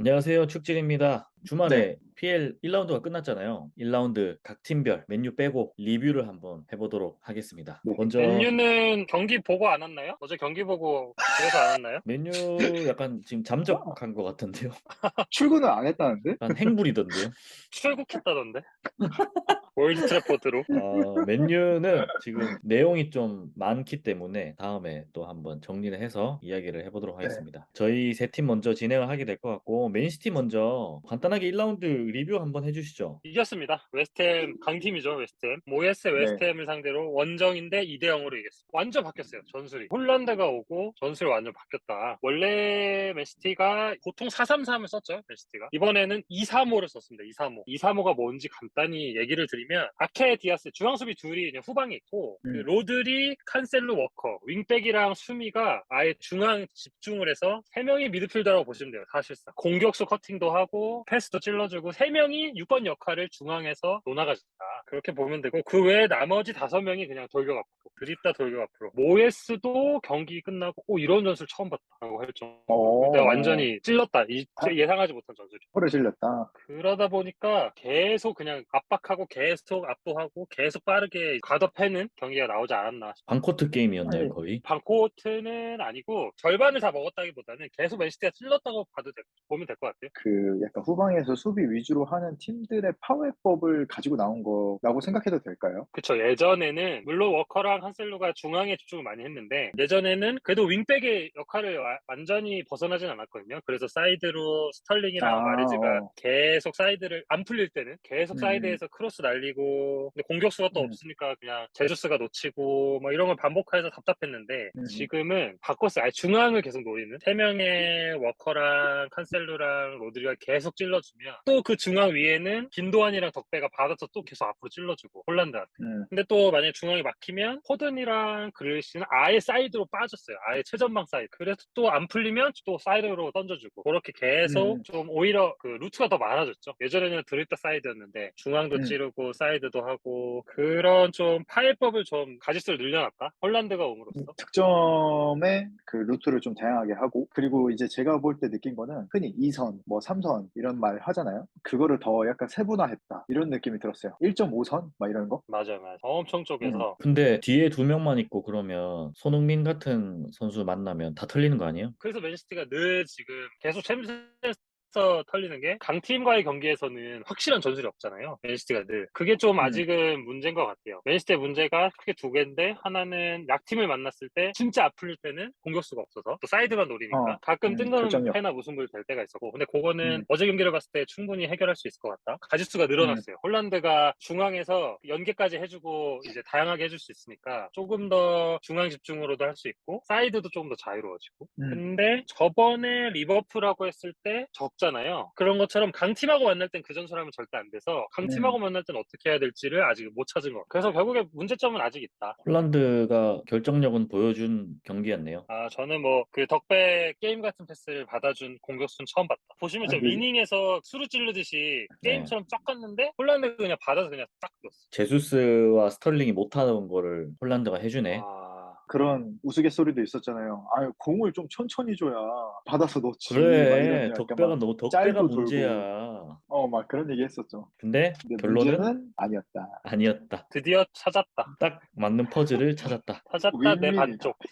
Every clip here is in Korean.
안녕하세요. 축질입니다. 네. 주말에 PL 1라운드가 끝났잖아요. 1라운드 각 팀별 맨유 빼고 리뷰를 한번 해보도록 하겠습니다. 네. 먼저 맨유는 경기 보고 안 왔나요? 어제 경기 보고 집에서 안 왔나요? 맨유 약간 지금 잠적한 것 같은데요. 출근을 안 했다는데? 약간 행불이던데요. 출국했다던데. 월드 트래포드로. 맨유는 지금 내용이 좀 많기 때문에 다음에 또 한번 정리를 해서 이야기를 해보도록 네. 하겠습니다. 저희 세 팀 먼저 진행을 하게 될 것 같고 맨시티 먼저 간단하게 1라운드 리뷰 한번 해주시죠. 이겼습니다. 웨스트햄 강팀이죠. 웨스트햄. 모예스 네. 웨스트햄을 상대로 원정인데 2대 0으로 이겼습니다. 완전 바뀌었어요. 전술이. 홀란드가 오고 전술이 완전 바뀌었다. 원래 맨시티가 보통 4-3-3을 썼죠. 맨시티가. 이번에는 2-3-5를 썼습니다. 2-3-5. 2-3-5가 뭔지 간단히 얘기를 드리면 아케 디아스 중앙 수비 둘이 그냥 후방에 있고 그 음. 로드리, 칸셀루, 워커 윙백이랑 수미가 아예 중앙 집중을 해서 3명이 미드필더라고 보시면 돼요. 사실상 공격수 커팅도 하고 패스도 찔러주고 3명이 6번 역할을 중앙에서 논아가진다. 그렇게 보면 되고 그 외에 나머지 5명이 그냥 돌격 앞으로 드립다 돌격 앞으로. 모에스도 경기 끝나고 이런 전술 처음 봤다고 할 정도로 내가 완전히 찔렀다. 예상하지 못한 전술이. 허를 질렸다. 그러다 보니까 계속 그냥 압박하고 계속 압도하고 계속 빠르게 가둬패는 경기가 나오지 않았나 싶어요. 반코트 게임이었나요, 아니, 거의? 반코트는 아니고 절반을 다 먹었다기보다는 계속 맨시티가 찔렀다고 보면 될 것 같아요. 그 약간 후방에서 수비 위주로 하는 팀들의 파워법을 가지고 나온 거라고 생각해도 될까요? 그쵸. 예전에는 물론 워커랑 한셀루가 중앙에 집중을 많이 했는데 예전에는 그래도 윙백의 역할을 완전히 벗어나진 않았거든요. 그래서 사이드로 스털링이랑 마리즈가 어. 계속 사이드를 안 풀릴 때는 계속 음. 사이드에서 크로스 날리고 근데 공격수가 또 음. 없으니까 그냥 제주스가 놓치고 뭐 이런 걸 반복해서 답답했는데 음. 지금은 바꿨어요. 아예 중앙을 계속 노리는 3명의 워커랑 칸셀루랑 로드리가 계속 찔러주면 또 그 중앙 위에는 김도환이랑 덕배가 받아서 또 계속 앞으로 찔러주고 홀란드한테. 음. 근데 또 만약에 중앙이 막히면 호든이랑 그릴시는 아예 사이드로 빠졌어요. 아예 최전방 사이드. 그래서 또 안 풀리면 또 사이드로 던져주고 그렇게 계속 음. 좀 오히려 그 루트가 더 많아졌죠. 예전에는 드립다 사이드였는데 중앙도 음. 찌르고 사이드도 하고 그런 좀 파일법을 좀 가짓수를 늘려놨다. 홀란드가 옴으로써. 득점의 그 루트를 좀 다양하게 하고, 그리고 이제 제가 볼 때 느낀 거는 흔히 2선, 뭐 3선 이런 말 하잖아요. 그거를 더 약간 세분화했다. 이런 느낌이 들었어요. 1.5선? 막 이런 거? 맞아요, 맞아요. 엄청 음. 쪽에서 근데 뒤에 두 명만 있고 그러면 손흥민 같은 선수 만나면 다 털리는 거 아니에요? 그래서 맨시티가 늘 지금 계속 챔스에서 털리는 게 강팀과의 경기에서는 확실한 전술이 없잖아요. 맨시티가 늘. 그게 좀 음. 아직은 문제인 것 같아요. 맨시티의 문제가 크게 두 개인데 하나는 약팀을 만났을 때 진짜 아플 때는 공격수가 없어서 또 사이드만 노리니까 가끔 결정력. 뜬금패나 무승부를 될 때가 있었고 근데 그거는 음. 어제 경기를 봤을 때 충분히 해결할 수 있을 것 같다. 가짓수가 음. 늘어났어요. 홀란드가 중앙에서 연계까지 해주고 이제 다양하게 해줄 수 있으니까 조금 더 중앙 집중으로도 할 수 있고 사이드도 조금 더 자유로워지고 음. 근데 저번에 리버풀하고 했을 때 졌잖아요. 그런 것처럼 강팀하고 만날 땐 그 전술하면 절대 안 돼서 강팀하고 만날 땐 어떻게 해야 될지를 아직 못 찾은 것 같아요. 그래서 결국에 문제점은 아직 있다. 홀란드가 결정력은 보여준 경기였네요. 저는 뭐 그 덕배 게임 같은 패스를 받아준 공격수는 처음 봤다. 보시면 아, 진짜 근데 위닝에서 수루 찌르듯이 네. 게임처럼 쫙 갔는데 홀란드가 그냥 받아서 그냥 딱 넣었어. 제수스와 스털링이 못하는 거를 홀란드가 해주네. 그런 우스갯소리도 있었잖아요. 아유, 공을 좀 천천히 줘야 받아서 넣지. 막 이런 그래, 약간 막 덕배가 짤도 돌고, 문제야. 막 그런 얘기 했었죠. 근데 근데 결론은 문제는 아니었다. 아니었다. 드디어 찾았다. 딱 맞는 퍼즐을 찾았다. 찾았다 내 윈윈이다. 반쪽.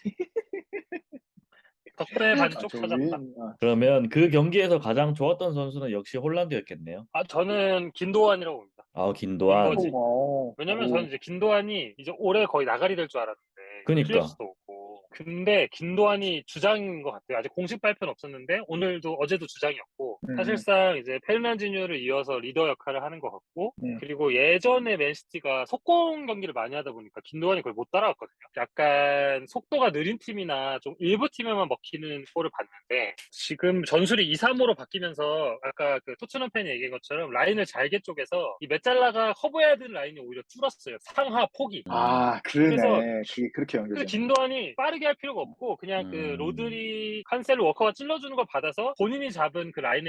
덕배 아, 반쪽 저 찾았다. 윈, 그러면 그 경기에서 가장 좋았던 선수는 역시 홀란드였겠네요. 저는 김도환이라고 봅니다. 김도환. 윈거지. 오, 왜냐면 저는 오, 이제 김도환이 이제 올해 거의 나가리 될 줄 알았는데 그니까. 필립스도 없고 근데 김도환이 주장인 것 같아요. 아직 공식 발표는 없었는데 오늘도 어제도 주장이었고 음. 사실상 이제 페르난지뉴를 이어서 리더 역할을 하는 것 같고 음. 그리고 예전에 맨시티가 속공 경기를 많이 하다 보니까 김도환이 그걸 못 따라갔거든요. 약간 속도가 느린 팀이나 좀 일부 팀에만 먹히는 골을 봤는데 지금 전술이 2-3-5로 바뀌면서 아까 그 토트넘 팬이 얘기한 것처럼 라인을 잘게 쪼개서 이 메짤라가 커버해야 되는 라인이 오히려 줄었어요. 상하 폭이. 아, 그래서 그러네. 그게 그렇게 그래서 연결되네. 김도환이 빠르게 할 필요가 없고 그냥 그 음, 로드리, 칸셀로, 워커가 찔러주는 걸 받아서 본인이 잡은 그 라인에서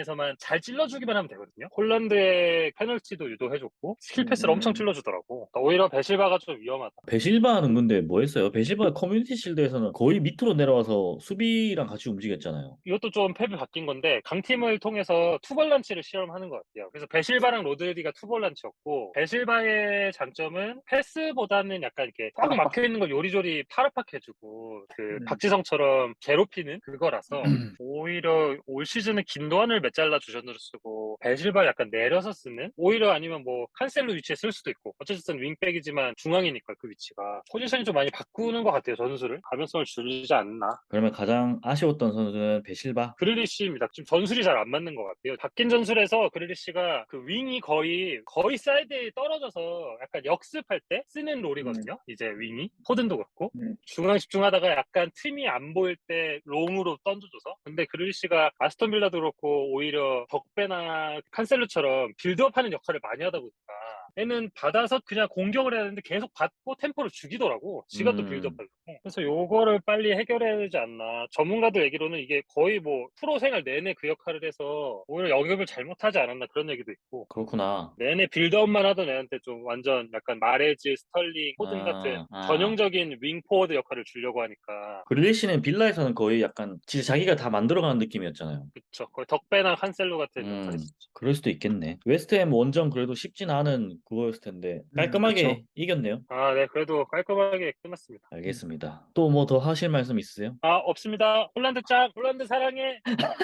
라인에서만 잘 찔러주기만 하면 되거든요. 홀란드의 페널티도 유도해줬고 스킬 패스를 엄청 찔러주더라고. 그러니까 오히려 베실바가 좀 위험하다. 베실바는 근데 뭐 했어요? 베실바 커뮤니티 실드에서는 거의 밑으로 내려와서 수비랑 같이 움직였잖아요. 이것도 좀 팩이 바뀐 건데 강팀을 통해서 투볼란치를 실험하는 것 같아요. 그래서 베실바랑 로드리가 투볼란치였고 베실바의 장점은 패스보다는 약간 이렇게 꽉 파락파. 막혀 있는 걸 요리조리 파락파해주고 그 음. 박지성처럼 괴롭히는 그거라서 오히려 올 시즌은 긴도안을 몇 잘라 주전으로 쓰고 베실바 약간 내려서 쓰는 오히려 아니면 뭐 칸셀로 위치에 쓸 수도 있고 어쨌든 윙백이지만 중앙이니까 그 위치가 포지션이 좀 많이 바꾸는 것 같아요. 전술을 가변성을 줄이지 않나. 그러면 가장 아쉬웠던 선수는 베실바? 그릴리시입니다. 지금 전술이 잘 안 맞는 것 같아요. 바뀐 전술에서 그릴리시가 그 윙이 거의 사이드에 떨어져서 약간 역습할 때 쓰는 롤이거든요. 이제 윙이 포든도 그렇고 중앙 집중하다가 약간 틈이 안 보일 때 롱으로 던져줘서. 근데 그릴리시가 아스톤 빌라도 그렇고 오히려 덕배나 칸셀루처럼 빌드업하는 역할을 많이 하다 보니까 얘는 받아서 그냥 공격을 해야 되는데 계속 받고 템포를 죽이더라고. 지가 또 빌드업하려고. 그래서 요거를 빨리 해결해야 되지 않나. 전문가들 얘기로는 이게 거의 뭐 프로 생활 내내 그 역할을 해서 오히려 영입을 잘못하지 않았나 그런 얘기도 있고. 그렇구나. 내내 빌드업만 하던 애한테 좀 완전 약간 마레즈, 스털링, 포든 같은 전형적인 윙 포워드 역할을 주려고 하니까. 그릴리시는 빌라에서는 거의 약간 진짜 자기가 다 만들어가는 느낌이었잖아요. 그쵸. 거의 덕배나 칸셀로 같은 역할이었죠. 그럴 수도 있겠네. 웨스트햄 원정 그래도 쉽진 않은 그거였을 텐데 깔끔하게 그쵸. 이겼네요. 아, 네. 그래도 깔끔하게 끝났습니다. 알겠습니다. 또 뭐 더 하실 말씀 있으세요? 아, 없습니다. 홀란드 짱! 홀란드 사랑해!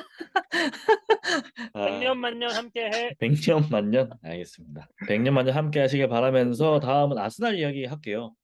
아, 백년 만년 함께해! 100년 만년? 알겠습니다. 100년 만년 함께 하시길 바라면서 다음은 아스날 이야기 할게요.